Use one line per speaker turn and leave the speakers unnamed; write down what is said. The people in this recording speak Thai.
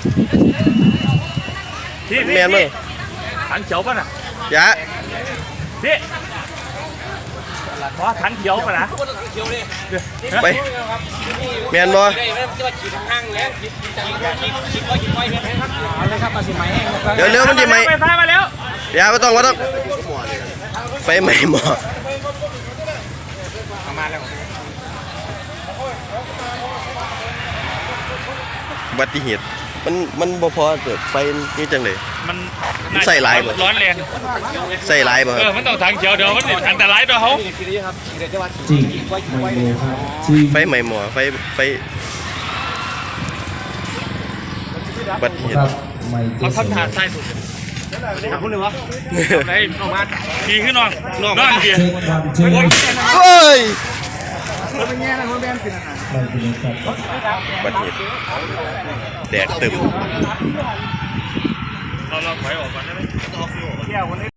พี่
แมนมั้ง
ถังเขียวป่ะน่ะ
ยะ
พี่ว่าถังเขียวป่ะนะ
ไปแมนบ่ เดี๋ยวเร็วมันจะไหม
ไฟฟ้ามาแล้ว
ยาไม่ต้องไฟไหม้หมออุบัติเหตุมันบ่พอเกิดไฟนี่จังเลย
มัน
ใส่ลายบ่
ร้อนแรง
ใส่ลายบ่ค
เอ
รั
อบ มันต้องถังเขียวเดี๋ยวมันอันตรายต่อเขา
จริงไม่โมครับจริง
ไฟไหม้หมอไฟอุบัติเหตุ
ครับไม่เจ
เขา
อ
ทำถาดใส่สุดทำคุณเลยวะไอ้ออกมาขี่ขึ้นนอนเกียร์
เช็คความเช็คไม่เป็นไร
เฮ้ย
ครับ
อุบัติเหตุแดกตึม
เราถอยออกก่อนได้ไหม